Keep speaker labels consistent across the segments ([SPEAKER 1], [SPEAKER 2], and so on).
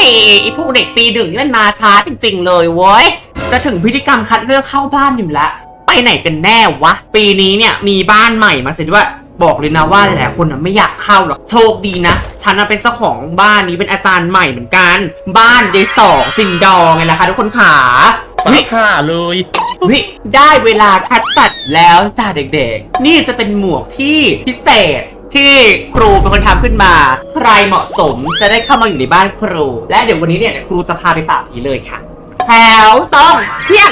[SPEAKER 1] ไอพวกเด็กปีหนึ่งนี่มันมาช้าจริงๆเลยเว้ยจะถึงพิธีกรรมคัดเลือกเข้าบ้านอยู่แล้วไปไหนกันแน่วะปีนี้เนี่ยมีบ้านใหม่มาเสร็จด้วยบอกเลยนะว่าหลายๆคนไม่อยากเข้าหรอกโชคดีนะฉันเป็นเจ้าของบ้านนี้เป็นอาจารย์ใหม่เหมือนกันบ้านยายสองซิงดองไงล่ะคะทุกคนขา
[SPEAKER 2] วิค่ะเลย
[SPEAKER 1] วิได้เวลาคัดตัดแล้วจ้าเด็กๆนี่จะเป็นหมวกที่พิเศษที่ครูเป็นคนทำขึ้นมาใครเหมาะสมจะได้เข้ามาอยู่ในบ้านครูและเดี๋ยววันนี้เนี่ยครูจะพาไปปราบผีเลยค่ะแถวต้องเพี้ยน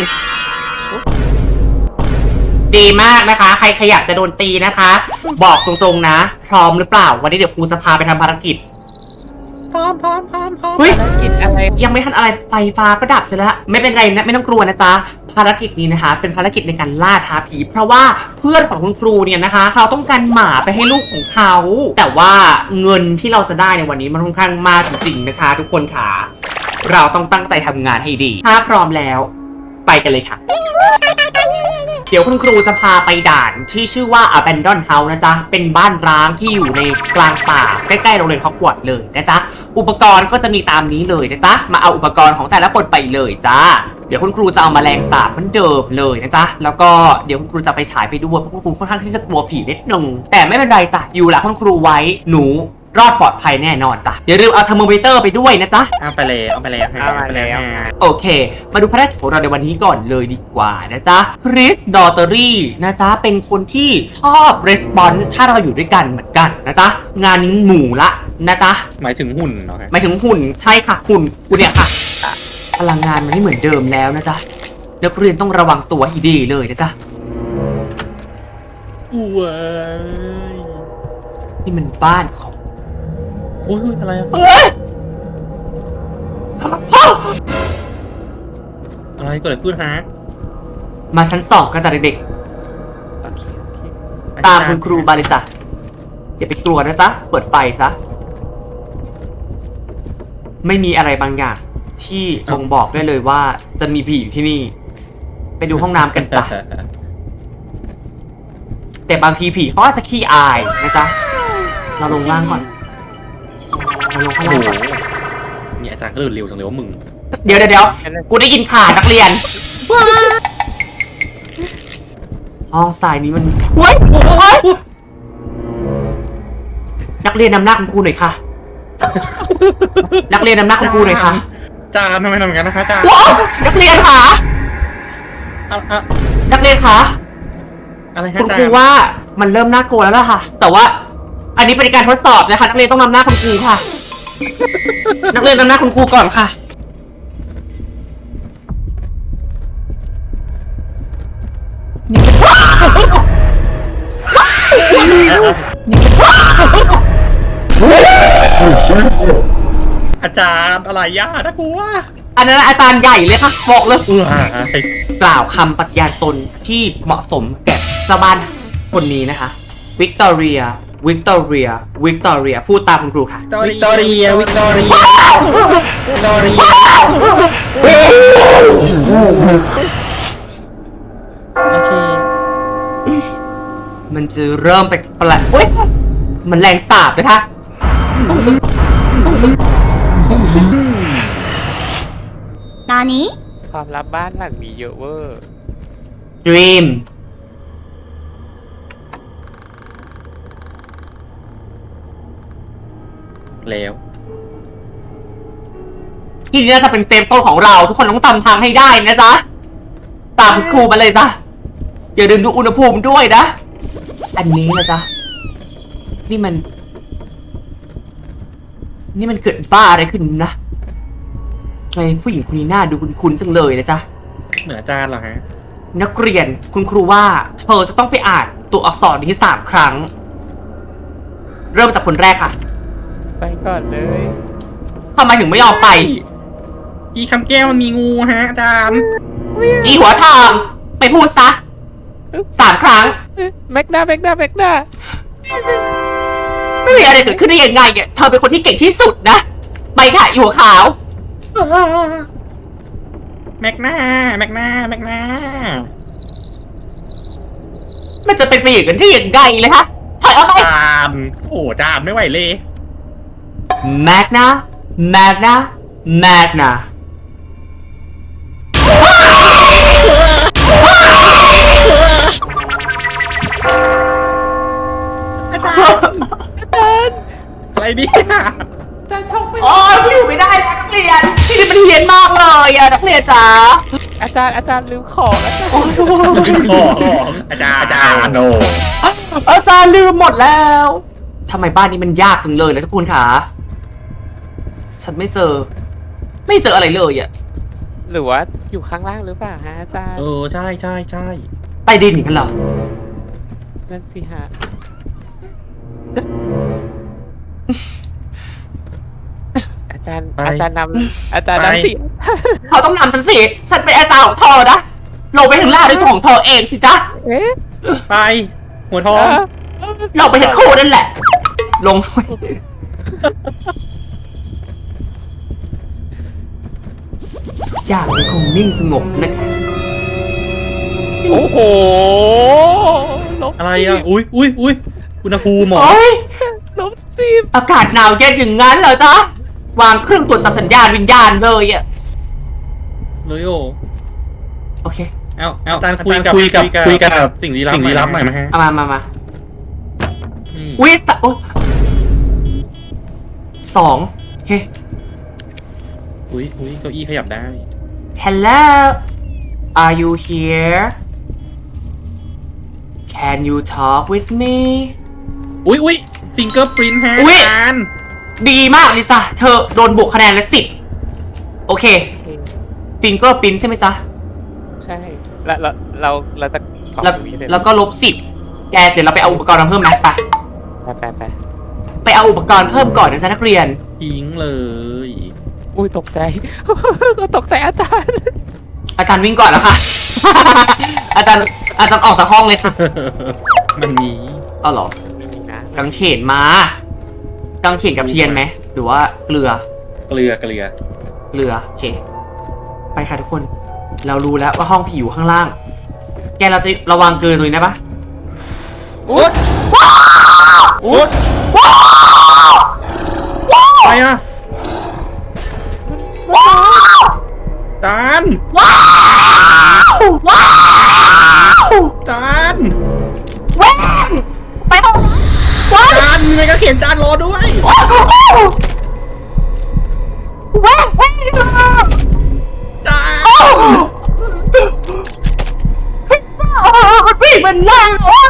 [SPEAKER 1] ดีมากนะคะใครขยับจะโดนตีนะคะบอกตรงๆนะพร้อมหรือเปล่าวันนี้เดี๋ยวครูจะพาไปทำภารกิจ
[SPEAKER 2] พร้อม
[SPEAKER 1] เฮ้ย
[SPEAKER 3] ภารกิจอะไร
[SPEAKER 1] ยังไม่ทันอะไรไฟฟ้าก็ดับเสียแล้วไม่เป็นไรนะไม่ต้องกลัวนะจ๊ะภารกิจนี้นะคะเป็นภารกิจในการล่าท้าผีเพราะว่าเพื่อนของคุณครูเนี่ยนะคะเขาต้องการหมาไปให้ลูกของเขาแต่ว่าเงินที่เราจะได้ในวันนี้มันค่อนข้างมากจริงๆนะคะทุกคนค่ะเราต้องตั้งใจทำงานให้ดีถ้าพร้อมแล้วไปกันเลยค่ะเดี๋ยวคุณครูจะพาไปด่านที่ชื่อว่า Abandon House นะจ๊ะเป็นบ้านร้างที่อยู่ในกลางป่าใกล้ๆโรงเรียนฮอกวอตส์เลยนะจ๊ะอุปกรณ์ก็จะมีตามนี้เลยนะจ๊ะมาเอาอุปกรณ์ของแต่ละคนไปเลยจ้าเดี๋ยวคุณครูจะเอาแมลงสาบเหมือนเดิมเลยนะจ๊ะแล้วก็เดี๋ยวคุณครูจะไปฉายไปด้วยเพราะคุณครูค่อนข้างที่จะกลัวผีนิดนึงแต่ไม่เป็นไรจ้ะอยู่หลังคุณครูไว้หนูรอดปลอดภัยแน่นอนจ้ะอย่าลืมเอาเทอร์โมมิเตอร์ไปด้วยนะจ๊ะ
[SPEAKER 2] เอาไปแล้ว
[SPEAKER 1] โอเคมาดูภารกิจของเราในวันนี้ก่อนเลยดีกว่านะจ๊ะคริสดอเตอรี่นะจ๊ะเป็นคนที่ชอบรีสปอนส์ถ้าเราอยู่ด้วยกันเหมือนกันนะจ๊ะงานหมู่ละนะจ๊ะ
[SPEAKER 2] หมายถึงหุ่นเหรอ
[SPEAKER 1] หมายถึงหุ่นใช่ค่ะหุ่นกูเนี่ยค่ะพลังงานมันไม่เหมือนเดิมแล้วนะจ๊ะนักเรียนต้องระวังตัวให้ดีเลยนะจ๊ะ
[SPEAKER 2] ว้าย
[SPEAKER 1] นี่มันบ้านของ
[SPEAKER 2] โอ้ยอะไรอะไรเกิดอะไรขึ้นฮะ
[SPEAKER 1] มาชั้น2กันจ้ะเด็กๆตามคุณครูมาเลยจ้ะอย่าไปกลัวนะจ๊ะเปิดไฟซะไม่มีอะไรบางอย่างที่บ่งบอกได้เลยว่าจะมีผีอยู่ที่นี่ไปดูห้องน้ำกันจ้ะแต่บางทีผีเขาอาจจะขี้อายนะจ๊ะเราลงล่างก่อนเราลงข้างล่างก่อน
[SPEAKER 2] นี่อาจารย์ก็เดินเร็วจังเลยว่ามึง
[SPEAKER 1] เดี๋ยวกูได้ยินข่าวนักเรียนห้องทรายนี้มันเฮ้ยนักเรียนนำหน้าคุณครูหน่อยค่ะนักเรียนนำหน้าคุณครูหน่อยค่ะ
[SPEAKER 2] จานทำไมทำอย่างนั้นนะคะจาน
[SPEAKER 1] นักเรียนค่ะนักเรียนค่ะ
[SPEAKER 2] อะไร
[SPEAKER 1] คุณครูว่ามันเริ่มน่ากลัวแล้วล่ะค่ะแต่ว่าอันนี้เป็นการทดสอบนะคะนักเรียนต้องนำหน้าคุณครูค่ะนักเรียนนำหน้าคุณครูก่อนค่ะ
[SPEAKER 2] อาจารย์อะไรย่านะครูว่า
[SPEAKER 1] อันนั้นอาจารย์ใหญ่เลยค่ะบอกเลยกล่าวคำปฏิญาณตนที่เหมาะสมแก่เจ้าบ้านคนนี้นะคะวิกตอเรียพูดตามคุณครูค่ะ
[SPEAKER 2] วิกตอเรียโอเค
[SPEAKER 1] มันจะเริ่มไปแปลกเฮ้ยมันแรงสาบนะคะ
[SPEAKER 3] ตอนนี้
[SPEAKER 4] ความลับบ้านหลังมีเยอะเวอร์
[SPEAKER 1] Dream
[SPEAKER 2] แล้ว
[SPEAKER 1] ที่นี่น่าจะเป็นเซฟโซนของเราทุกคนต้องจำทางให้ได้นะจ๊ะตามครูมาเลยจ้ะอย่าลืมดูอุณหภูมิด้วยนะอันนี้นะจ๊ะนี่มันเกิดบ้าอะไรขึ้นนะทำไมผู้หญิงคนนี้หน้าดูคุ้นๆจังเลยนะจ๊ะ
[SPEAKER 2] เหนืออาจารย์เหรอฮะ
[SPEAKER 1] นักเรียนคุณครูว่าเธอจะต้องไปอ่านตัวอักษรนี้3 ครั้งเริ่มจากคนแรกค่ะ
[SPEAKER 4] ไปก่อนเลย
[SPEAKER 1] ทำไมถึงไม่ยอมไป
[SPEAKER 2] อีคำแก้วมันมีงูฮะอาจารย์
[SPEAKER 1] อีหัวทองไปพูดซะ3 ครั้ง
[SPEAKER 4] แม็กดา
[SPEAKER 1] ไม่มีอะไรเกิดขึ้นได้ยังไงเนี่ยเธอเป็นคนที่เก่งที่สุดนะไปค่ะอีหัวขาว
[SPEAKER 2] แม็กนา
[SPEAKER 1] มันจะเป็นไปอย่างนั้นได้ยังไงเลยคะถอยออกไป
[SPEAKER 2] จานโอ้จานไม่ไหวเลย
[SPEAKER 1] แม็กนาแมกนะ
[SPEAKER 2] อะไรเนี่ย
[SPEAKER 4] อาจารย์ช็อกไป
[SPEAKER 1] โอ้ยอยู่ไม่ได้นะนักเรียนที่นี่มันเฮี้ยนมากเลยอะนักเรียนจ๋า
[SPEAKER 4] อาจารย์ลืมของอาจารย์
[SPEAKER 2] ของอาจารย์โน
[SPEAKER 1] อาจารย์ลืมหมดแล้วทำไมบ้านนี้มันยากจังเลยนะทุกคนคะฉันไม่เจออะไรเลยอะ
[SPEAKER 4] หรือว่าอยู่ข้างล่างหรือเปล่าฮะอาจารย์
[SPEAKER 2] ใช่ใช่ใช่
[SPEAKER 1] ใต้ดินอย่างนั้นเหรอ
[SPEAKER 4] นั่นสิฮะอาจารย์นำสิ
[SPEAKER 1] เขาต้องนำฉันสิฉันเป็นอาจารย์ของเธอนะลงไปถึงล่างด้วยตัวของเธอเองสิจ๊ะ
[SPEAKER 4] เอ๊ะ
[SPEAKER 2] ไปหัวทอง
[SPEAKER 1] เราไปทั้งคู่นั่นแหละ ลงไปอย่างยังคงนิ่งสงบนะคะ
[SPEAKER 4] โอ้โหลบ
[SPEAKER 2] อะไรอ่ะอุ้ยอุณหภูมิหมอ
[SPEAKER 1] โอ้ย
[SPEAKER 4] 10
[SPEAKER 1] อากาศหนาวเย็นอย่างนั้นเหรอจ๊ะ วางเครื่องตรวจจับสัญญาณวิญญาณเลยอะ
[SPEAKER 2] เลยโอ
[SPEAKER 1] โอเค
[SPEAKER 2] เอาอาจารย์คุยกับสิ่งลี้ลับหน่อยไหมฮะ
[SPEAKER 1] เอามา
[SPEAKER 2] นี่
[SPEAKER 1] อุ๊ยโอ๊ย2โอเค
[SPEAKER 2] อุ้ยเก้าอี้ขยับได้
[SPEAKER 1] Hello Are you here Can you talk with me
[SPEAKER 2] อุ้ยฟิงเกอร์ปรินท์ฮะ
[SPEAKER 1] อุ๊ย
[SPEAKER 2] อาจารย์
[SPEAKER 1] ดีมากลิซ่าเธอโดนบวกคะแนนละ10โอเคฟิงเกอร์ปินใช่ไหมจ๊ะ
[SPEAKER 4] ใช่แล้วเราจะออก
[SPEAKER 1] แล้ว
[SPEAKER 4] ตรงนี้เลย
[SPEAKER 1] แล้วก็-10แกเดี๋ยวเราไปเอาอุปกรณ์มาเพิ่มไหมไป
[SPEAKER 4] ไป
[SPEAKER 1] เอาอุปกรณ์เพิ่มก่อนนะจ๊ะนักเรียน
[SPEAKER 2] ทิ้งเลย
[SPEAKER 4] อุ้ยตกใจ ก็ตกใจอาจารย์
[SPEAKER 1] อาจารย์วิ่งก่อนแล้วค่ะ อาจารย์ออกจากห้องเลยค่ะ
[SPEAKER 2] มันมี
[SPEAKER 1] เอาเหรอ
[SPEAKER 4] นะ
[SPEAKER 1] กางเขนมา กางเขนกับเทียนไหมหรือว่าเกลือ
[SPEAKER 2] เกลือ
[SPEAKER 1] โอเค ไปค่ะทุกคน เรารู้แล้วว่าห้องผีอยู่ข้างล่าง แกเราจะระวังเกินตรงนี้ได้ปะ
[SPEAKER 2] อุ๊ยอะไรอ่ะจาน
[SPEAKER 1] ว้าวว้าว
[SPEAKER 2] จาน
[SPEAKER 1] แว่งไปห้องว้าว
[SPEAKER 2] จานมีไงก็เขียนจานรอด้วย
[SPEAKER 1] ว้าวแว่ง
[SPEAKER 2] จาน
[SPEAKER 1] มันวิ่งมันนั่ง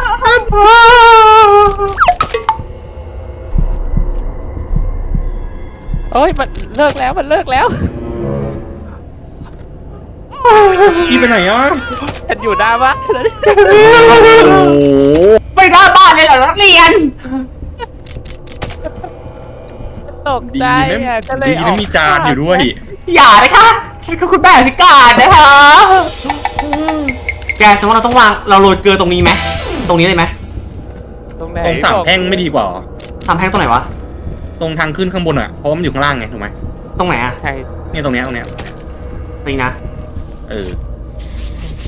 [SPEAKER 4] โอ้ยมันเลิกแล้ว
[SPEAKER 2] พี่ไปไหนอ่ะ
[SPEAKER 4] ฉันอยู่หน้าบ้าน
[SPEAKER 2] โอ้โห
[SPEAKER 1] ไปหน้าบ้านเลยเหรอนักเรียน
[SPEAKER 4] ตก
[SPEAKER 2] ดี
[SPEAKER 4] ใจ
[SPEAKER 2] นะ
[SPEAKER 4] อ่ะก็เลย
[SPEAKER 2] ดีนะมีจานอยู่ด้วย
[SPEAKER 1] อย่านะคะฉันคือคุณแม่พิการนะคะ แกสมมติเราต้องวางเราโรยเกลือตรงนี้ไหมตรงนี้เลยไหม
[SPEAKER 4] ตรงไหน
[SPEAKER 2] ตรงสามแพร่งไม่ดีกว่าเหรอ
[SPEAKER 1] ทำแพงตรงไหนวะ
[SPEAKER 2] ตรงทางขึ้นข้างบนอ่ะ เพราะว่ามันอยู่ข้างล่างไงถูกไหม
[SPEAKER 1] ตรงไหนอะ
[SPEAKER 4] ใช่
[SPEAKER 2] เนี่ยตรงเนี้ย
[SPEAKER 1] ตรงนี้นะ
[SPEAKER 2] เออ
[SPEAKER 4] ใช่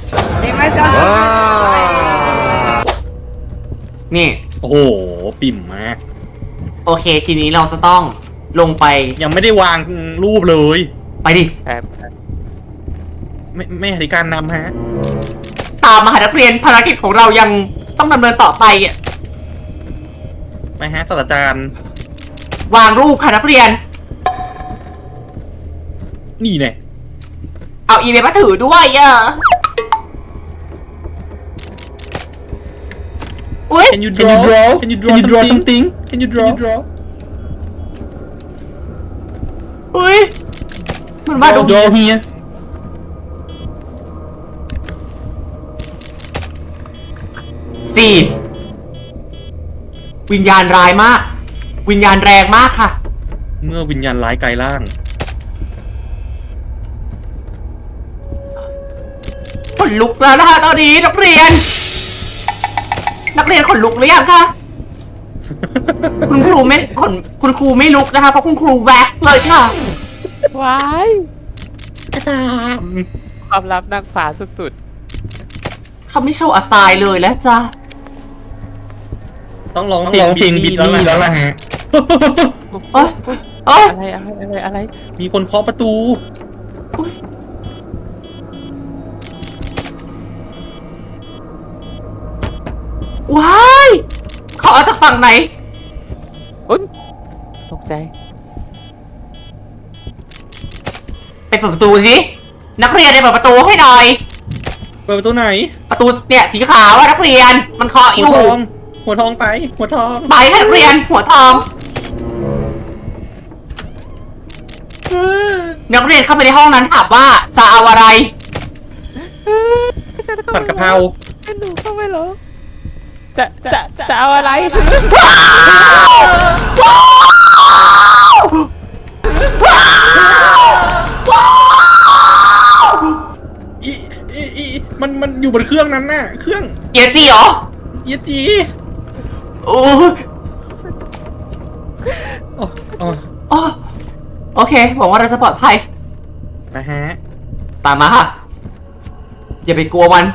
[SPEAKER 1] นี่
[SPEAKER 2] โอ้โห ปิ่มมาก
[SPEAKER 1] โอเคทีนี้เราจะต้องลงไป
[SPEAKER 2] ยังไม่ได้วางรูปเลย
[SPEAKER 1] ไปดิ
[SPEAKER 4] แต่
[SPEAKER 2] ไม่อธิการนำฮะ
[SPEAKER 1] ตามมหานักเรียนภารกิจของเรายังต้องดำเนินต่อไปอะ
[SPEAKER 2] ไปฮะศาสตราจารย์
[SPEAKER 1] วางรูปค่ะนักเรียน
[SPEAKER 2] นี่เนี่ย
[SPEAKER 1] เอาอีเมลมาถือด้วยอะอุ้ย
[SPEAKER 2] Can you draw Can you draw something Can you draw
[SPEAKER 1] อุ้ยมันว่าด
[SPEAKER 2] draw here
[SPEAKER 1] 4วิญญาณร้ายมาก วิญญาณแรงมากค่ะ
[SPEAKER 2] เมื่อวิญญาณร้ายกายร่าง
[SPEAKER 1] ขนลุกแล้วนะคะตอนนี้นักเรียนขนลุกหรือยังคะ คุณครูไม่ลุกนะคะเพราะคุณครูแว็กซ์เลยค่ะ
[SPEAKER 4] ว้าย
[SPEAKER 2] อาจารย์
[SPEAKER 4] ความลับนางฟ้าสุด
[SPEAKER 1] เขาไม่โชว์อาไซน์เลยแล้วจ้ะ
[SPEAKER 2] ต้องร้องเพลงบิทนี่แล้วล่ะฮะ
[SPEAKER 1] เอ้ยโอ้ย
[SPEAKER 4] อะไร
[SPEAKER 2] มีคนเคาะประตู
[SPEAKER 1] ว้ายเขาเอาจากฝั่งไหน
[SPEAKER 4] อุ๊ยตกใจ
[SPEAKER 1] ไปเปิดประตูสินักเรียนไปเปิดประตูให้หน่อย
[SPEAKER 2] เปิดประตูไหน
[SPEAKER 1] ประตูเนี่ยสีขาวว่านักเรียนมันเคาะอ
[SPEAKER 2] หัว
[SPEAKER 1] ยู่
[SPEAKER 2] ทอง หัวทองไป หัวทอง
[SPEAKER 1] ไปให้นักเรียนหัวทอง นักเรียนเข้าไปในห้องนั้นถามว่าจะเอาอะไร
[SPEAKER 2] ผัดกะเพรา
[SPEAKER 4] หนูเข้าไปเหรอจะเอาอะไร
[SPEAKER 2] มันอยู่บนเครื่องนั้นน่ะ เครื่อง
[SPEAKER 1] เอียจีเหรอ
[SPEAKER 2] เยจี
[SPEAKER 1] โอ้ย
[SPEAKER 2] โอ้โอ้
[SPEAKER 1] โอ้โอเคหวังว่าเราจะปลอดภัย
[SPEAKER 2] นะฮะ
[SPEAKER 1] ตามมาค่ะอย่าไปกลัวมัน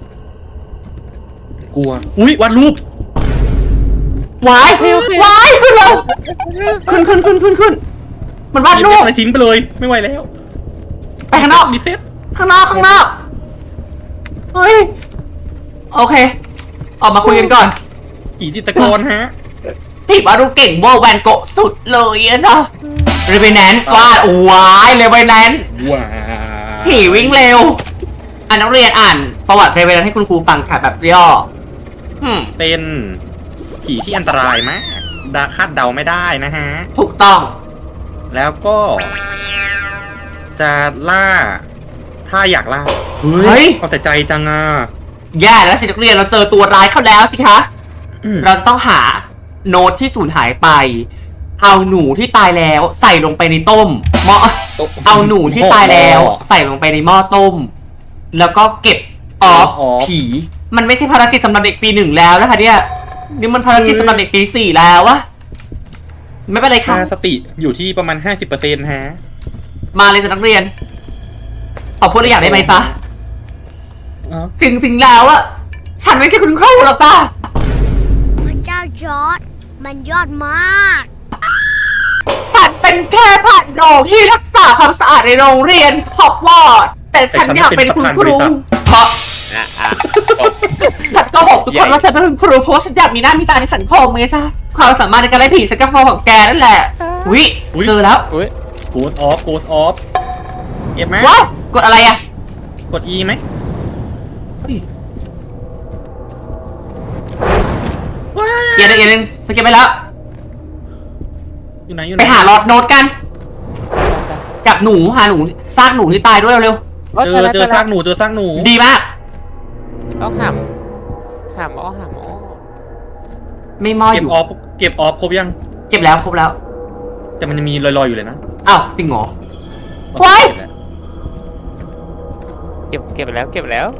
[SPEAKER 2] กลัว อุ้ยวาดรูป
[SPEAKER 1] วายวายขึ้นเร็วขึ้นมันวาดรูป
[SPEAKER 2] อะไรทิ้งไปเลย ไม่ไหวแล้ว
[SPEAKER 1] ไปข้างนอก
[SPEAKER 2] รีเซ็ต
[SPEAKER 1] ข้างนอกเฮ้ยโอเค ออกมาคุยกันก่อน
[SPEAKER 2] กี่จิตรกรฮะ
[SPEAKER 1] พี่วาดรูปเก่งเวอร์แวนโกะสุดเลยอะนะเรเวนแนนต์วาดวายเรเวนแนนต์
[SPEAKER 2] ว้า
[SPEAKER 1] ผีวิ่งเร็วนักเรียนอ่านประวัติเรเวนแนนต์ให้คุณครูฟังค่ะแบบย่อ
[SPEAKER 2] เป็นผีที่อันตรายมากคาดเดาไม่ได้นะฮะ
[SPEAKER 1] ถูกต้อง
[SPEAKER 2] แล้วก็ จะล่า ถ้าอยากล่า
[SPEAKER 1] เฮ้ย
[SPEAKER 2] เอาแต่ใจจังอ่ะ
[SPEAKER 1] แย่แล้วสินักเรียนเราเจอตัวร้ายเข้าแล้วสิคะ
[SPEAKER 2] อืม
[SPEAKER 1] เราจะต้องหาโน้ตที่สูญหายไป เอาหนูที่ตายแล้วใส่ลงไปในต้มหม้อเอาหนูที่ตายแล้วใส่ลงไปในหม้อต้ม แล้วก็เก็บออฟผี มันไม่ใช่ภารกิจสำหรับเด็กปี 1แล้วนะคะเนี่ยนี่มันภารกิจสำหรับเด็กปี 4แล้ววะไม่เป็นไรค่ะ
[SPEAKER 2] ค่าสติอยู่ที่ประมาณ 50%ฮะ
[SPEAKER 1] มาเลยจ้ะนักเรียนขอพูดอะไรอย่างได้ไหมซะสิ่งแล้วอะฉันไม่ใช่คุณครูหรอกจ้า
[SPEAKER 3] พระเจ้าจอร์ดมันยอดมาก
[SPEAKER 1] ฉันเป็นแค่ผ่านโรงที่รักษาความสะอาดในโรงเรียนฮอกวอตส์แต่ฉันอยากเป็นคุณครูเพราะฉันก็บอกทุกคนว่าฉันเป็นคุณครูเพราะว่าฉันอยากมีหน้ามีตาในสังคมไงจ้าความสามารถในการไล่ผีฉันก็พอของแกนั่นแหละวิเจอแล้ว
[SPEAKER 4] อุ๊ย
[SPEAKER 2] โกดออฟเก็บไหม
[SPEAKER 1] ว้าวกดอะไรอะ
[SPEAKER 2] กด E ไหม
[SPEAKER 1] เฮ้ย
[SPEAKER 2] ว้า
[SPEAKER 1] เดี๋ยวนึงฉันเก็บไปแล้ว
[SPEAKER 2] อยู่ไหนอยู่ไห
[SPEAKER 1] ไป
[SPEAKER 2] น
[SPEAKER 1] หาลอดโน้ตกัน กับหนูหาหนูซากหนูที่ตายด้วยเร็ว
[SPEAKER 2] เจอซากหนูเจอซากหนู
[SPEAKER 1] ๆดีมาก
[SPEAKER 4] เอาหามอ้อ
[SPEAKER 1] ไม่มออ
[SPEAKER 2] เก็บ
[SPEAKER 1] ยู่
[SPEAKER 2] ออฟครบยัง
[SPEAKER 1] เก็บแล้วครบแล้ว
[SPEAKER 2] แต่มันจะมีลอยๆอยู่เลยนะ
[SPEAKER 1] อ้าวจริงเหรอ ไว้
[SPEAKER 4] เก็บแล้ว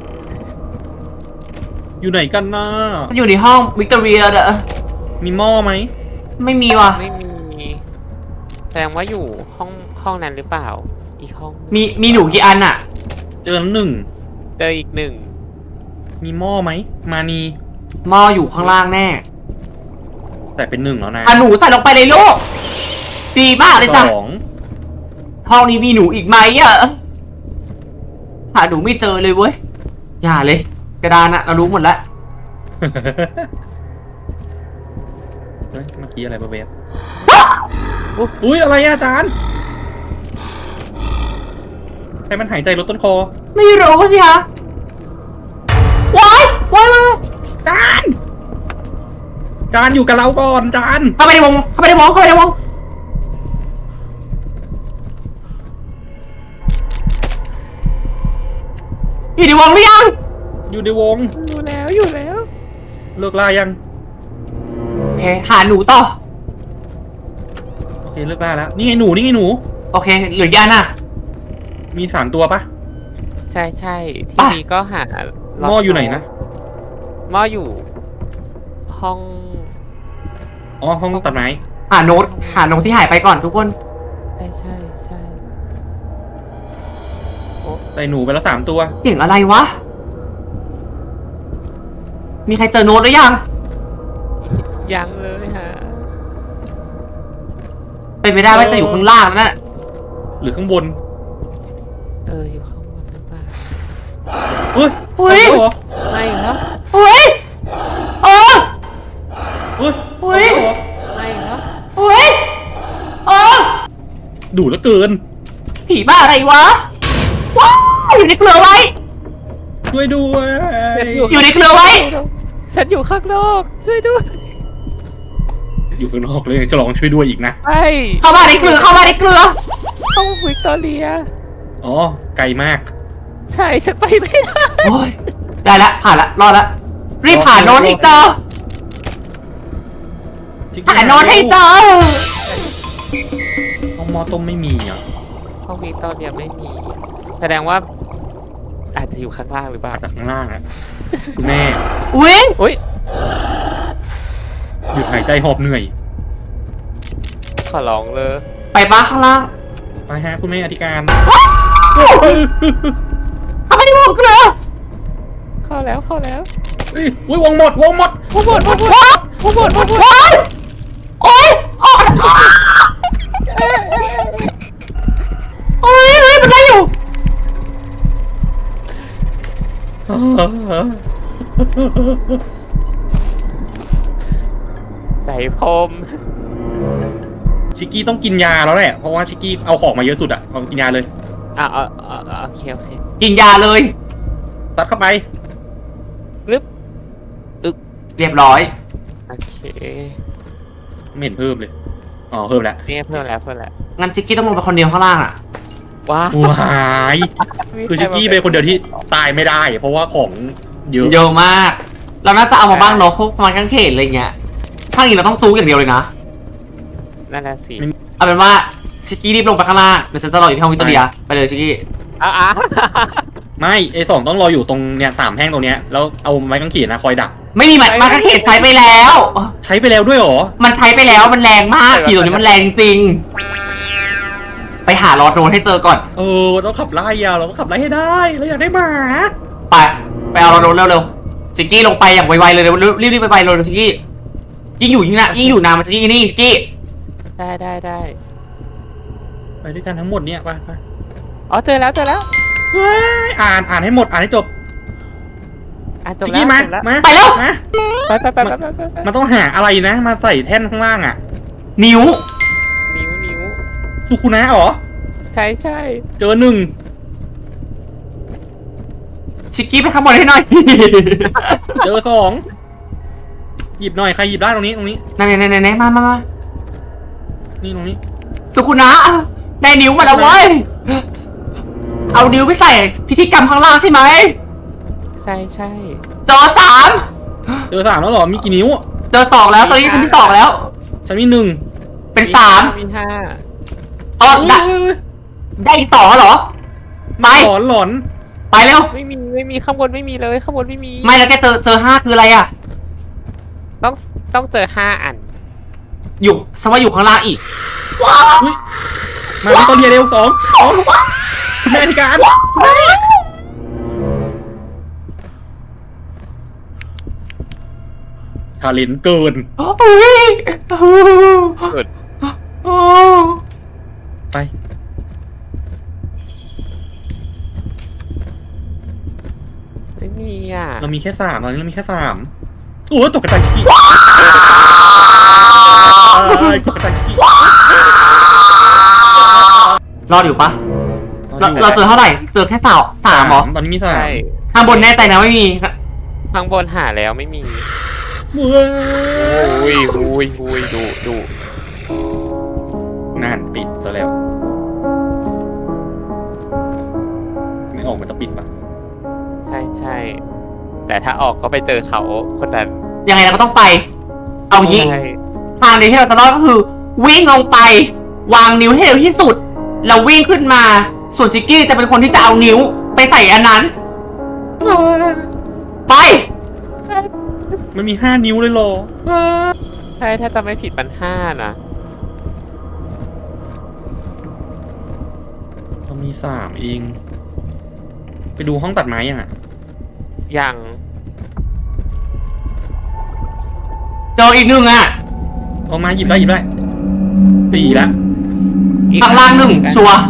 [SPEAKER 2] อยู่ไหนกันนะ
[SPEAKER 1] มันอยู่ในห้องวิกตอเรียเด้อ
[SPEAKER 2] มีหม้อไหม
[SPEAKER 1] ไม่มีว่ะ
[SPEAKER 4] ไม่มีแสดงว่าอยู่ห้องนั้นหรือเปล่า อีกห้องหนึ่ง
[SPEAKER 1] มีหนูกี่อันอะ
[SPEAKER 2] เจอแล้วหนึ่ง
[SPEAKER 4] เจออีกหนึ่ง
[SPEAKER 2] มีหม้อไหมมานี
[SPEAKER 1] หม้ออยู่ข้างล่างแน่
[SPEAKER 2] แต่เป็นหนึ่งแล้วนะ
[SPEAKER 1] อ่ะหนูใส่ลงไปในลูกดีมากเลยจ้ะ
[SPEAKER 2] สอง
[SPEAKER 1] ห้องนี้มีหนูอีกไหมอะหาหนูไม่เจอเลยเว้ยอย่าเลย กระดานอะเรารู้หมดแล้ว
[SPEAKER 2] เฮ้ยเมื่อกี้อะไรบะเบบอุ้ยอะไรอะอาจารย์ใครมันหายใจลดต้นคอ
[SPEAKER 1] ไม่รู้สิคะว้าย
[SPEAKER 2] จานอยู่กับเราก่อนจาน
[SPEAKER 1] เข้าไปในวงอยู่ในวงหรือยัง
[SPEAKER 2] อยู่ในวง
[SPEAKER 4] อยู่แล้ว
[SPEAKER 2] เลิกล่ายัง
[SPEAKER 1] โอเคหาหนูต่อ
[SPEAKER 2] โอเคเลิกล่าแล้วนี่ไงหนู
[SPEAKER 1] โอเคเหลือกี่อันอะ
[SPEAKER 2] มี3ตัวปะ
[SPEAKER 4] ใช่ที่
[SPEAKER 1] ป่ะ
[SPEAKER 4] นี้ก็หา
[SPEAKER 2] หม้ออยู่ไหนนะ
[SPEAKER 4] หม้ออยู่ ห้อง
[SPEAKER 2] อ๋อห้องตัดไม้
[SPEAKER 1] หาโน้ตที่หายไปก่อนทุกคน
[SPEAKER 4] ใช่
[SPEAKER 2] ใส่หนูไปแล้ว3ตัว
[SPEAKER 1] เสียงอะไรวะ มีใครเจอโน้ตหรือยัง
[SPEAKER 4] ยังเลยฮะ
[SPEAKER 1] เป็นไปได้ว่าจะอยู่ข้างล่างนั่นน่ะ
[SPEAKER 2] หรือข้างบน
[SPEAKER 4] อยู่ข้างบนหรือเปล่า
[SPEAKER 2] เฮ้ย
[SPEAKER 1] อุ้ย
[SPEAKER 2] เหรอ
[SPEAKER 4] ไม่ครับ
[SPEAKER 1] อุ้ยเออ
[SPEAKER 2] เฮ้ย
[SPEAKER 1] อุ๊ย
[SPEAKER 2] เหรอ
[SPEAKER 4] ไม่ครับ
[SPEAKER 1] อุ้ยเออ
[SPEAKER 2] ดุเหลือเกิน
[SPEAKER 1] ผีบ้าอะไรวะว้าวอยู่ในเกลือไว้
[SPEAKER 2] ช่วยด้วย
[SPEAKER 1] อยู่ในเกลือไว้
[SPEAKER 4] ฉันอยู่ข้างนอกช่วยด้วย
[SPEAKER 2] อยู่ข้างนอกเลยจะลองช่วยด้วยอีกนะ
[SPEAKER 4] ไอ้
[SPEAKER 1] เข้ามาในเกลือเข้ามาในเกลือ
[SPEAKER 4] ห้องวิกตอเรีย
[SPEAKER 2] อ๋อไกลมาก
[SPEAKER 4] ใช่ฉันไปไม่ได้
[SPEAKER 1] โอ้ยได้ละผ่านละรอดละรีบผ่านโน้นให้เจอผ่านโน้นให้เจอ
[SPEAKER 2] ห้องหมอต้มไม่มีอ่ะ
[SPEAKER 4] ห้องวิกตอเรียไม่มี แสดงว่า อาจจะอยู่ข้างล่างหรือเปล่า
[SPEAKER 2] จากข้างล่างอ่ะคุณแม่
[SPEAKER 1] อุ้ย
[SPEAKER 4] อุ้ย
[SPEAKER 2] หยุดหายใจหอบเหนื่อย
[SPEAKER 4] ขอร้องเลย
[SPEAKER 1] ไปบ้าข้างล่าง
[SPEAKER 2] ไปฮะคุณแม่อธิการ
[SPEAKER 1] เข้ามาในวงเกลือ
[SPEAKER 4] เข้าแล้วเข้าแล้ว
[SPEAKER 2] เฮ้ยวงหมด
[SPEAKER 4] วงหมดวงหมดวงหมดวงหมดวงหมด
[SPEAKER 1] ว้ายโอ๊ยโอ๊ยโอ๊ยเฮ้ยมันได้อยู่
[SPEAKER 4] ใจพม
[SPEAKER 2] ชิกกี้ต้องกินยาแล้วแหละเพราะว่าชิกกี้เอาของมาเยอะสุดอ่ะเอากินยาเลย
[SPEAKER 4] โอเคโอเค
[SPEAKER 1] กินยาเลย
[SPEAKER 2] ตัดเข้าไป
[SPEAKER 4] รึบ
[SPEAKER 1] เรียบร้อย
[SPEAKER 4] โอเค
[SPEAKER 2] ไม่เห็นเพิ่มเลยอ๋อเพิ่มแล้ว
[SPEAKER 4] เนี่ยเพิ่มแล้วเพิ่มแล้ว
[SPEAKER 1] งั้นชิคกี้ต้องลงไปคนเดียวข้างล่างอ่ะ
[SPEAKER 4] ว้า
[SPEAKER 2] ว้ายคือชิกกี้เป็นคนเดียวที่ตายไม่ได้ เพราะว่าของเยอะ
[SPEAKER 1] เยอะมาก เราน่าจะเอามาบ้างเนาะพวกไม้กางเขนอะไรเงี้ยข้างอีกเราต้องซูอย่างเดียวเลยนะ
[SPEAKER 4] นั่นแหละสิ
[SPEAKER 1] เอาเป็นว่าชิคกี้รีบลงไปข้างล่างเดี๋ยวฉันจะรออยู่ที่ห้องวิตอเรียไปเลยชิคกี้
[SPEAKER 4] อ้า
[SPEAKER 2] ไม่ไอสองต้องรออยู่ตรงเนี่ย3แท่งตรงเนี้ยแล้วเอาไม้กางเขนนะคอยดัก
[SPEAKER 1] ไม่มีไม้กางเขนใช้ไปแล้ว
[SPEAKER 2] ใช้ไปแล้วด้วยเหรอ
[SPEAKER 1] มันใช้ไปแล้วมันแรงมากผีตัวนี้มันแรงจริงๆไปหารอดโดนให้เจอก่อน
[SPEAKER 2] ต้องขับไล่อะเราต้องขับไล่ให้ได้เราอยากได้หมา
[SPEAKER 1] ไปเอารอดโดนเร็วๆชิคกี้ลงไปอย่างไวๆเลยรีบๆไปๆเลยชิคกี้ยิ่งอยู่ยิ่งนานมันจะยิ่งนี่ชิคกี้
[SPEAKER 4] ได้
[SPEAKER 2] ไปด้วยกันทั้งหมดเนี่ยไป
[SPEAKER 4] อ๋อเจอแล้ว
[SPEAKER 2] เฮ้ยอ่านให้หมดอ่านให้จบ
[SPEAKER 4] จบ
[SPEAKER 2] ชิก
[SPEAKER 4] แล้ว
[SPEAKER 2] กี้มา
[SPEAKER 4] จบแล้ว
[SPEAKER 2] มา
[SPEAKER 1] ไปแล้ว
[SPEAKER 2] มา
[SPEAKER 4] ไป
[SPEAKER 2] มันต้องหาอะไรนะ มาใส่แท่นข้างล่างอ่ะ
[SPEAKER 1] นิ้ว
[SPEAKER 4] นิ้ว
[SPEAKER 2] สุคุนะเหรอ
[SPEAKER 4] ใช่
[SPEAKER 2] เจอหนึ่ง
[SPEAKER 1] ชิคกี้ไปข้างบนให้หน่อย
[SPEAKER 2] เจอสองหยิบหน่อยใครหยิบได้ตรงนี้
[SPEAKER 1] ไหนมา
[SPEAKER 2] นี่ตรงนี้
[SPEAKER 1] สุขุนะได้นิ้วมาแล้วเว้ย เอานิ้วไปใส่พิธีกรรมข้างล่างใช่ไหม
[SPEAKER 4] ใช่
[SPEAKER 1] จอสาม
[SPEAKER 2] เจอ3แล้วเหรอมีกี่นิ้ว
[SPEAKER 1] เจอ2แล้วตอนนี้ฉันมี2แล้ว
[SPEAKER 2] ฉันมี1
[SPEAKER 1] เป็น
[SPEAKER 4] มี
[SPEAKER 1] 3
[SPEAKER 4] 5
[SPEAKER 1] อ๋อได้อีก2เหรอไป
[SPEAKER 2] หลอน
[SPEAKER 1] ไปเร็ว
[SPEAKER 4] ไม่มีข้างบนไม่มีเลยข้างบนไม่มี
[SPEAKER 1] ไม่แล้วแกเจอ5คืออะไรอ่ะ
[SPEAKER 4] ต้องเจอ5 อัน
[SPEAKER 1] อยู่ฉันว่าอยู่ข้างล่างอีกว้าว
[SPEAKER 2] อุ๊ยมาที่ต้นเรียเร็ว2แม่อธิการชาเลนจ์เกิน
[SPEAKER 1] โอ้ย
[SPEAKER 4] สุด
[SPEAKER 1] โอ้
[SPEAKER 2] ไป
[SPEAKER 4] ไม่มีอ่ะ
[SPEAKER 2] เรามีแค่3ตอนนี้เรามีแค่3โอ้ยตกกระจายชิกกี้ตกกระจายชิกกี้
[SPEAKER 1] รอดอยู่ปะเราเจอเท่าไหร่เจอแค่3เหรอ
[SPEAKER 2] ตอนนี้มี
[SPEAKER 4] ใช่
[SPEAKER 1] ข้างบนแน่ใจนะไม่มี
[SPEAKER 4] ข้างบนหาแล้วไม่มี
[SPEAKER 2] 3เว้
[SPEAKER 4] อุ้
[SPEAKER 2] ย
[SPEAKER 4] ยดู
[SPEAKER 2] นั่นปิดซะแล้วไม่ออกมันจะปิดปะ
[SPEAKER 4] ใช่แต่ถ้าออกก็ไปเจอเขาคนนั้น
[SPEAKER 1] ยังไงเราก็ต้องไป เอางี้
[SPEAKER 4] ใช่
[SPEAKER 1] ทางเดียวที่เราจะรอดก็คือ วิ่งลงไป วางนิ้วให้เร็วที่สุดแล้ววิ่งขึ้นมา ส่วนชิกกี้จะเป็นคนที่จะเอานิ้วไปใส่อันนั้น ไป
[SPEAKER 2] มันมี5 นิ้วเลยเหรอ
[SPEAKER 4] ใช่ถ้าจะไม่ผิดมัน5 นะ
[SPEAKER 2] เรามี3เอง ไปดูห้องตัดไม้ยังอ่ะ
[SPEAKER 4] ยัง
[SPEAKER 1] เจออีกหนึ่งอ่ะ
[SPEAKER 2] เอามาหยิบได้4ละ
[SPEAKER 1] ข้างล่างหนึ่งชัวร์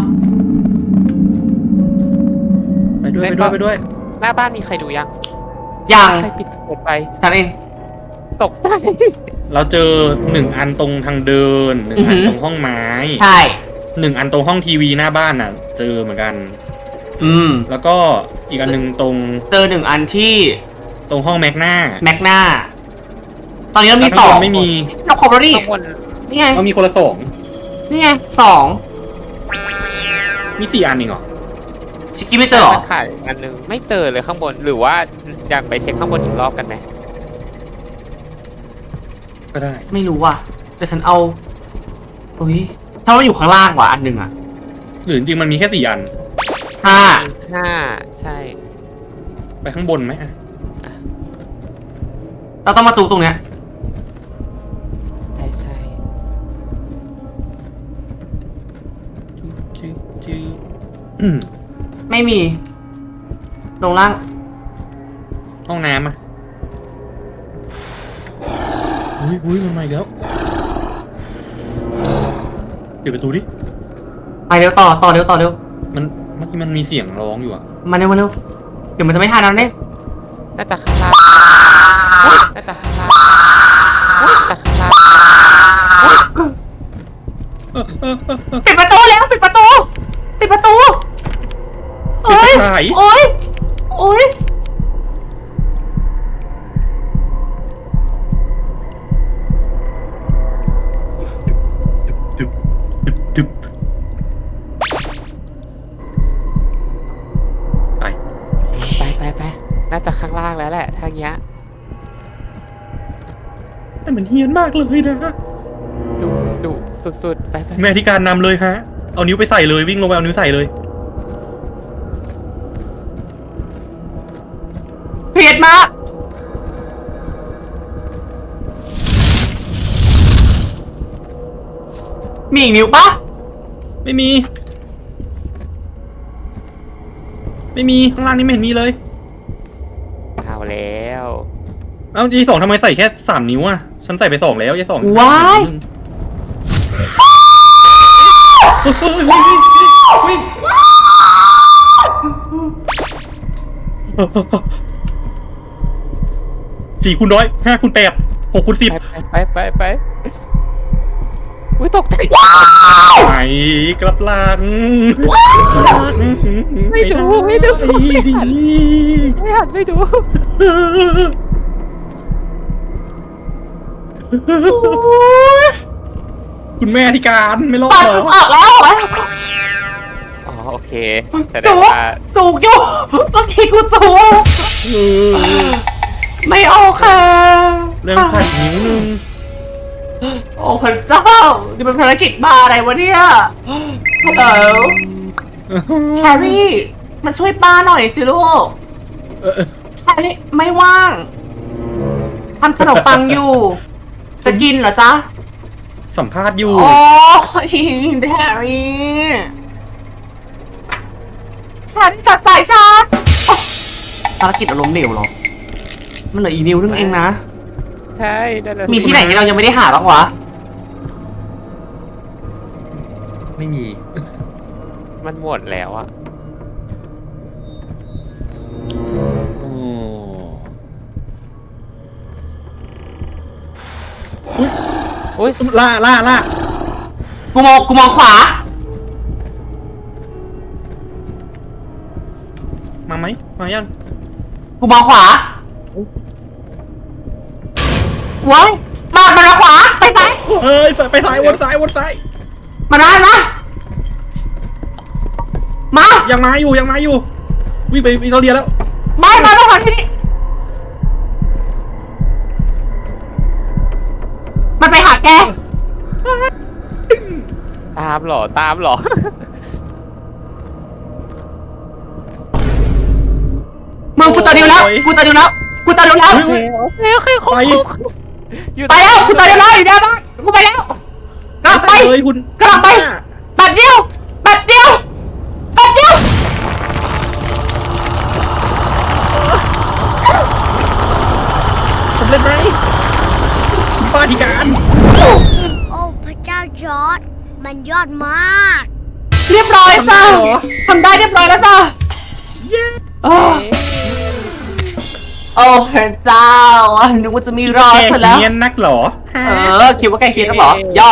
[SPEAKER 2] ไปด้วยไปด้วยไปด้วย
[SPEAKER 4] หน้าบ้านมีใครดูยัง
[SPEAKER 1] ยัง
[SPEAKER 4] ใครปิดเปิดไป
[SPEAKER 1] ฉันเอง
[SPEAKER 4] ตกใจ
[SPEAKER 2] เราเจอ1 อันตรงทางเดิน1 อันตรงห้องไม้
[SPEAKER 1] ใช่
[SPEAKER 2] 1 อันตรงห้องทีวีหน้าบ้านน่ะ เจอเหมือนกัน แล้วก็อีกอันหนึ่งตรง
[SPEAKER 1] เจอ1 อันที่
[SPEAKER 2] ตรงห้องแม็กหน้า
[SPEAKER 1] แม็กนาตอนนี้เรามี
[SPEAKER 2] แล้วข้างบน
[SPEAKER 1] 2
[SPEAKER 2] ไม่มี
[SPEAKER 1] เราครบแล้วนี่
[SPEAKER 4] ข้างบน
[SPEAKER 1] นี่ไง
[SPEAKER 2] เรามีคนละ2
[SPEAKER 1] นี่ไง
[SPEAKER 2] มี4 อันเองเหรอ
[SPEAKER 1] ชิคกี้ไม่เจอเหรอ
[SPEAKER 4] มันขาดอีกอันนึงไม่เจอเลยข้างบนหรือว่าอยากไปเช็คข้างบนอีกรอบกันไหม
[SPEAKER 2] ก็ได้
[SPEAKER 1] ไม่รู้ว่ะแต่ฉันเอาอุ้ยถ้ามันอยู่ข้างล่างว่ะอันหนึ่งอ่ะ
[SPEAKER 2] หรือจริงๆมันมีแค่4 อัน
[SPEAKER 4] 5 ใช่
[SPEAKER 2] ไปข้างบนไหมอะ
[SPEAKER 1] เราต้องมาจูตรงเนี้ย
[SPEAKER 4] ใช่ใช่
[SPEAKER 1] ไม่มี ลงล่าง
[SPEAKER 2] ห้องน้ำอ่ะอุ้ยมันมาอีกแล้วเปิดประตูดิ
[SPEAKER 1] ไปเร็วต่อเร็วเร็ว
[SPEAKER 2] เมื่อกี้มันมีเสียงร้องอยู่อ่ะ
[SPEAKER 1] มาเร็วเดี๋ยวมันจะไม่ทันแล้วเนี่ย
[SPEAKER 4] น่าจะข้างล่างน่าจะข้างล่างน่าจะข้างล่าง
[SPEAKER 1] ปิดประตูแล้วปิดประตูโอ๊ย
[SPEAKER 2] ปิดไฟ
[SPEAKER 1] โอ๊ย
[SPEAKER 2] ดึบไป
[SPEAKER 4] ไปน่าจะข้างล่างแล้วแหละทางเนี้ย
[SPEAKER 2] แต่มันเฮี้ยนมากเลยนะ
[SPEAKER 4] ดุสุดๆไป
[SPEAKER 2] แม่ที่การนำเลยฮะ เอานิ้วไปใส่เลยวิ่งลงไปเอานิ้วใส่เลย
[SPEAKER 1] เผ็ดมากมีอีกนิ้วปะ
[SPEAKER 2] ไม่มีข้างล่างนี้ไม่เห็นมีเลย
[SPEAKER 4] เอาแล้ว
[SPEAKER 2] เอ้ายี่สองทำไมใส่แค่3 นิ้วอ่ะฉันใส่ไป2แล้วยี่สอง
[SPEAKER 1] ว้าย
[SPEAKER 2] วิ่ง4 คูณ 100 5 คูณ 8 6 คูณ 10
[SPEAKER 4] ไปอุ้ยตกใจ
[SPEAKER 2] ไปกลับหลัง
[SPEAKER 4] ไม่ดูไม่หันไม่ดู
[SPEAKER 2] คุณแม่ที่การไม่รอด
[SPEAKER 1] ปาก
[SPEAKER 2] เหรอ
[SPEAKER 1] ออกแล้ว
[SPEAKER 4] อ๋อโอเคแสด
[SPEAKER 1] จู
[SPEAKER 4] งว่า
[SPEAKER 1] กอยู่บางทีกูจูกไม่โอเค
[SPEAKER 2] เรื่องขัดนิ้วนึง
[SPEAKER 1] โอ้พระเจ้านี่เป็นภารกิจบ้าอะไรวะเนี่ยฮัลโหลแฮร์รี่มาช่วยป้าหน่อยสิลูกแฮร์รี่ไม่ว่างทำขนมปังอยู่ จะกินเหรอจ๊ะ
[SPEAKER 2] สัมภาษณ์อยู่
[SPEAKER 1] โอ้ยแฮร์รี่จัดสายชาร์จภารกิจอารมณ์เหลวเหรอมันเหลืออีกนิ้วนึงเองนะ
[SPEAKER 4] ใช่นั่นแหละ
[SPEAKER 1] มีที่ไหนที่เรายังไม่ได้หาบ้างวะ
[SPEAKER 2] ไม่มี
[SPEAKER 4] มันหมดแล้วอะ
[SPEAKER 2] โอ้
[SPEAKER 4] อุ้ย
[SPEAKER 2] ล่า
[SPEAKER 1] กูมองขวา
[SPEAKER 2] มาไหมมายัง
[SPEAKER 1] กูมองขวาว้ายมาขวาไปซ้าย
[SPEAKER 2] เฮ้ยไปซ้ายวนซ้าย
[SPEAKER 1] มาได้มา
[SPEAKER 2] ยังมาอยู่วิ่งไปอิตาเลียแล้ว
[SPEAKER 1] มาขวาที่นี่มันไปหาแก
[SPEAKER 4] ตามเหรอ
[SPEAKER 1] มึงกูจะดิวแล้ว
[SPEAKER 2] โอ้ย
[SPEAKER 1] โอเค
[SPEAKER 2] ไป
[SPEAKER 4] อยู่
[SPEAKER 1] ไปแล้วกูจะดิวแล้วอยู่หน้าบ้านกูไปแล้วกลับไป
[SPEAKER 2] เลยคุณ
[SPEAKER 1] กลับไปบัดเดียว
[SPEAKER 2] สำเร็จไหมคุณป้าที่การ
[SPEAKER 3] โอ้พระเจ้าจอร์ดมันมันยอดมาก
[SPEAKER 1] เรียบร้อยจ้าทำได้เรียบร้อยแล้วจ้าโอ้พระเจ้านึกว่าจะมีรอยซะแล้ว
[SPEAKER 2] เนียนนักเหรอ
[SPEAKER 1] คิดว่าใกล้เคียงแล้วเหรอย่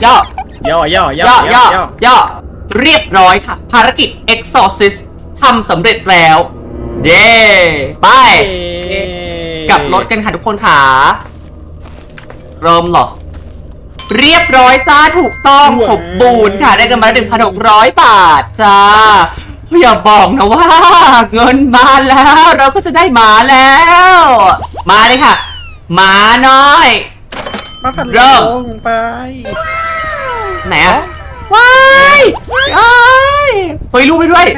[SPEAKER 1] อเรียบร้อยค่ะ ภารกิจ Exorcist ทำสำเร็จแล้ว เย้ไปกลับรถกันค่ะทุกคนค่ะเริ่มเหรอ เรียบร้อยจ้าถูกต้องสมบูรณ์ค่ะได้กันมา 1,600 บาทจ้าอย่าบอกนะว่า เงินมาแล้วเราก็จะได้หมาแล้ว มาเลยค่ะหมาน้อย เริ่ม
[SPEAKER 2] ไป
[SPEAKER 1] ไหนอะว้ายเฮ้ยรูปไปด้วย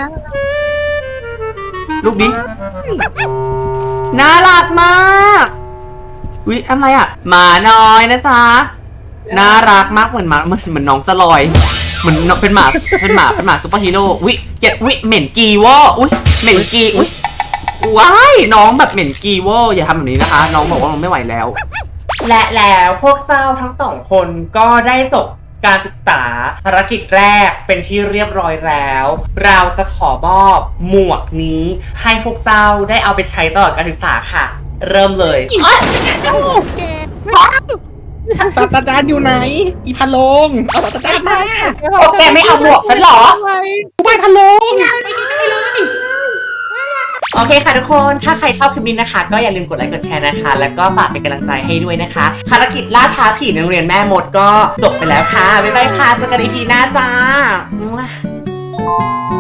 [SPEAKER 1] รูปนี้น่ารักมากอุ๊ยอะไรอะหมาน้อยนะจ๊ะน่ารักมากเหมือนหมาเหมือนน้องสลอยเหมือนเป็นหมาซุปเปอร์ฮีโร่อุ๊ยเจ็ดอุ๊ยเหม็นกีวออุ๊ยเหม็นกีอุ๊ยว้ายน้องแบบเหม็นกีวออย่าทำแบบนี้นะคะน้องบอกว่าน้องไม่ไหวแล้วและแล้วพวกเจ้าทั้งสองคนก็ได้จบการศึกษาภารกิจแรกเป็นที่เรียบร้อยแล้ว เราจะขอมอบหมวกนี้ให้พวกเจ้าได้เอาไปใช้ตลอดการศึกษาค่ะ เริ่มเลย
[SPEAKER 2] ศาสตราจารย์อยู่ไหน อีพะโลงเอาศาสตราจารย์มา
[SPEAKER 1] โอเคไม่เอาหมวกฉันเหรอ
[SPEAKER 2] ไปพะโลง
[SPEAKER 1] โอเคค่ะทุกคน ถ้าใครชอบคลิปนี้นะคะ ก็อย่าลืมกดไลค์กดแชร์นะคะ แล้วก็ฝากเป็นกำลังใจให้ด้วยนะคะ ภารกิจล่าท้าผีในโรงเรียนแม่มดก็จบไปแล้วค่ะ บ๊ายบายค่ะ เจอกันอีกทีหน้าจ้า